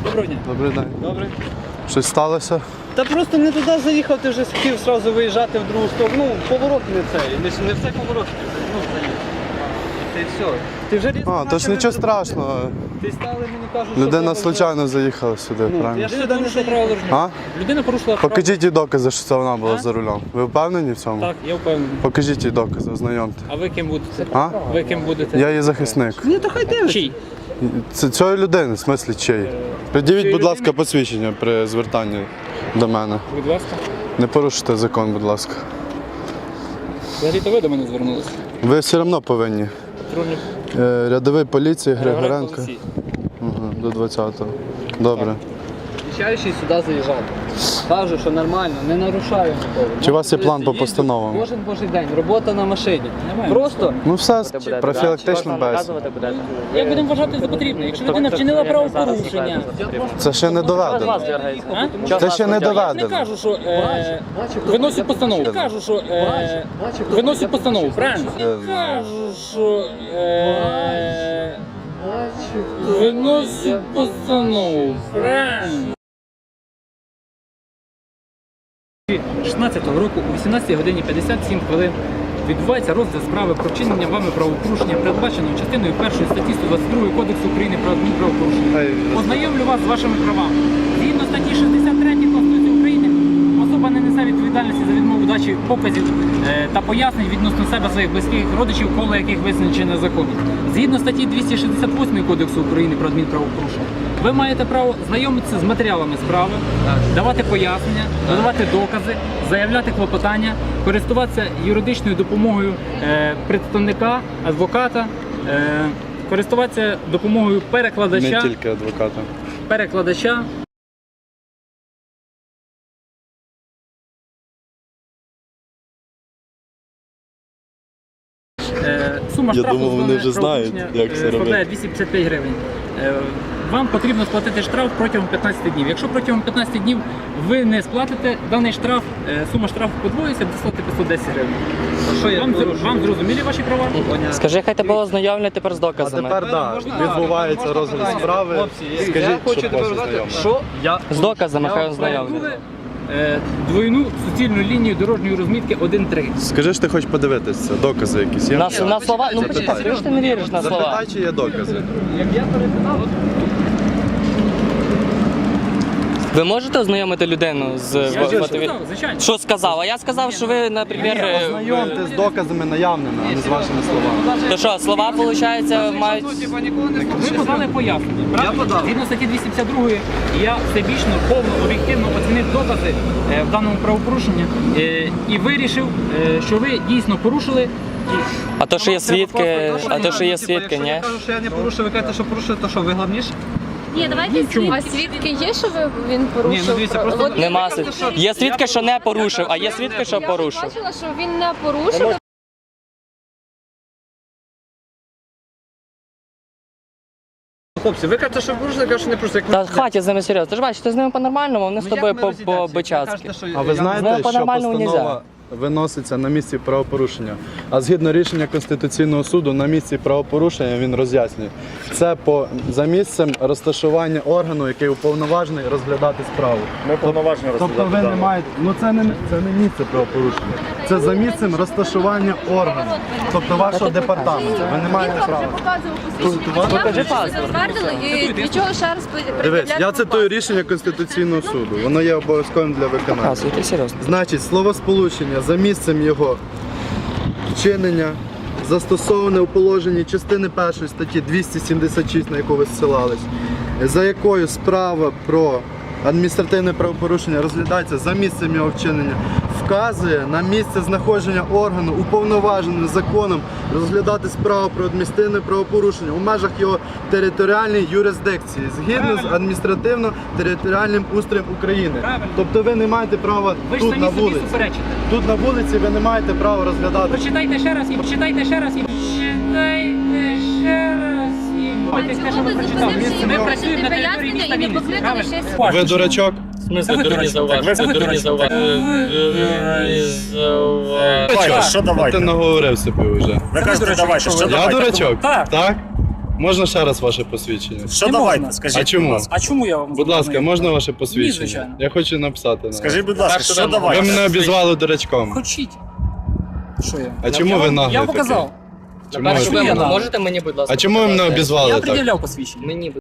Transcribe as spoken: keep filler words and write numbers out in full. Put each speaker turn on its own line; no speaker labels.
Доброго дня.
Добрий день.
Добре.
Щось сталося?
Та просто не туди заїхав, ти вже хотів одразу виїжджати в другу сторону. Ну, поворот не цей, не, не все поворот. Ну, це все. Ти вже різко
А, то ж нічого страшного.
Ти стали, мені кажуть, що...
Людина
треба
случайно заїхала сюди,
вже- Ну, я
правильно?
ж сюди не заїхав.
А?
Людина порушила право.
Покажіть їй докази, що це вона була
А?
за рулем. Ви впевнені в цьому?
Так, я впевнений.
Покажіть їй докази, ознайомте.
А ви ким будете?
А?
Ви ким будете?
Я її захисник.
Ні, то хай дивиться. Чий?
Це цієї людини, в смислі чиї? Придивіть, будь ласка, посвідчення при звертанні до мене.
Будь ласка.
Не порушуйте закон, будь ласка.
Взагалі-то ви до мене звернулися.
Ви все одно повинні.
Патрульний
Е, Рядовий поліції Григоренко.
Олексій.
Угу, до двадцятого. Добре.
Зустрічаючий сюди заїжджав. Кажу, що нормально, не нарушаю нікого.
Чи у вас є план по постановам?
Кожен божий день, робота на машині. Просто
Ну все, профілактична бесіда.
Як будемо вважати за потрібне? Якщо людина вчинила правопорушення,
Це ще не доведено.
а?
Це ще не
Я не
доведено.
кажу, що е, виносять постанову. Я кажу, що е, виносять постанову, правильно? Я кажу, що е, виносять постанову, правильно?
шістнадцятого року о вісімнадцятій годині п'ятдесят сім хвилин відбувається розгляд справи про вчинення вами правопорушення, передбаченого частиною першої статті сто двадцять два Кодексу України про адмінправопорушення. Ознайомлю вас з вашими правами. Згідно статті шістдесят три Конституції України, особа не несе відповідальності за відмову дачі показів е, та пояснень відносно себе, своїх близьких родичів, коло яких визначено законом. Згідно статті двісті шістдесят восьмої Кодексу України про адмінправопорушення, ви маєте право знайомитися з матеріалами справи, давати пояснення, надавати докази, заявляти клопотання, користуватися юридичною допомогою е, представника, адвоката, е, користуватися допомогою перекладача,
Не тільки адвоката.
перекладача. Е, Сума
Я
штрафу
думав, вони
за
вже знають,
правопорушення,
як це
е, складає
робити.
двісті п'ятдесят п'ять гривень. Е, Вам потрібно сплатити штраф протягом п'ятнадцяти днів. Якщо протягом п'ятнадцяти днів ви не сплатите даний штраф, е, сума штрафу подвоїться до п'ятсот десять гривень. Що я вам, вам зрозуміли ваші права?
Скажи, хай тебе ознайомлять тепер з
А
доказами.
тепер так, відбувається розгляд справи. Скажіть, щоб вас ознайомили.
Що я
З доказами хай
Я
ознайомлять.
встановив, е, двойну суцільну лінію дорожньої розмітки один три.
Скажи, що ти хочеш подивитися, докази якісь є?
На, на слова, ну
Запитай.
почекай, ти ж ти не віриш на слова.
Запитай, чи є докази.
Як я перетинав,
Ви можете ознайомити людину з
я ж
мотиві-
сказав, звичайно.
Що сказав? А я сказав, що ви, наприклад, е,
Ознайомте з доказами наявними, а не з вашими словами.
то що, слова, виходить, мають...
Ви подали пояснення, правильно? Згідно статті двісті п'ятдесят два я всебічно, повно, об'єктивно оцінив докази е, в даному правопорушенні е, і вирішив, е, що ви дійсно порушили. І
А то, що є
вам треба
свідки,
просто-
а то, що є
Якщо
свідки, ні?
я кажу, що я не порушив, ви кажете, що порушили, то що, ви головніше?
Ні, давайте свідки. А свідки є, що ви, він порушив?
Ні, ну дивіться, просто-
От
Нема
я
свідки.
кажу, що
Є свідки, що не порушив, а є свідки, що
Я
порушив.
бачила, що він не порушив.
Хлопці, ви кажете, що порушили, я кажу, що не порушили. Як
Та
ви-
хватить з ними серйозно. Ти ж бачиш, ти з ними по-нормальному, вони з
Ну,
тобою
як ми
по-
розійдемося? Ви
по-бичацьки.
кажете, що
А ви
я-
знаєте,
Ну,
що
по-нормальному
постанова виноситься на місці правопорушення, а згідно рішення Конституційного суду на місці правопорушення він роз'яснює. Це по за місцем розташування органу, який уповноважений розглядати справу.
Ми повноважені
Тобто
розглядати.
ви не
дану.
маєте, ну це не це не місце правопорушення. Це за місцем розташування органу, тобто вашого департаменту. Ви не маєте
Він вам
права.
вже показував посвідчення. Я
покажи
вже
паспорт.
затвердили і для чого ще раз
Дивись, я цитую рішення Конституційного суду. Воно є обов'язковим для виконання.
Показуйте серйозно.
Значить, словосполучення за місцем його вчинення застосоване у положенні частини першої статті двісті сімдесят шість, на яку ви зсилались, за якою справа про адміністративне правопорушення розглядається за місцем його вчинення, вказує на місце знаходження органу, уповноваженим законом розглядати справу про адміністративне правопорушення у межах його територіальної юрисдикції, згідно з адміністративно-територіальним устроєм України.
Правильно.
Тобто ви не маєте права
Ви ж
тут
самі
на
собі
вулиці.
суперечите.
Тут на вулиці ви не маєте права розглядати.
Прочитайте ще раз і прочитайте ще раз і прочитайте ще раз і Ось те, що ви прочитали. Ми працюємо на території міста Вінниці. Правильно?
Ви дурачок?
В смысле, дурні зауваження? Ви дурні зауваження.
Давайте, що
Ти
давайте?
наговорив собі вже.
Ви кажете, давайте, що
Я
давайте?
дурачок?
Так.
Так? Можна ще раз ваше посвідчення?
Що
Не
давайте,
можна.
скажіть,
А чому?
будь ласка.
А чому я вам
Будь ласка,
забороняю?
можна ваше посвідчення?
звичайно.
Я хочу написати на
Скажіть,
вас.
будь ласка,
Перше
що
вимога.
Ви
давайте?
мене обізвали дурачком.
Хочіть. Що я?
А чому
я,
ви
вам-
наглий
Я вам
такий?
показав.
Чому
Першу
ви-
я
вимогу
дам?
можете мені, будь ласка,
А чому ви мене
показати?
обізвали
Я
так?
пред'являв посвідчення.
Мені,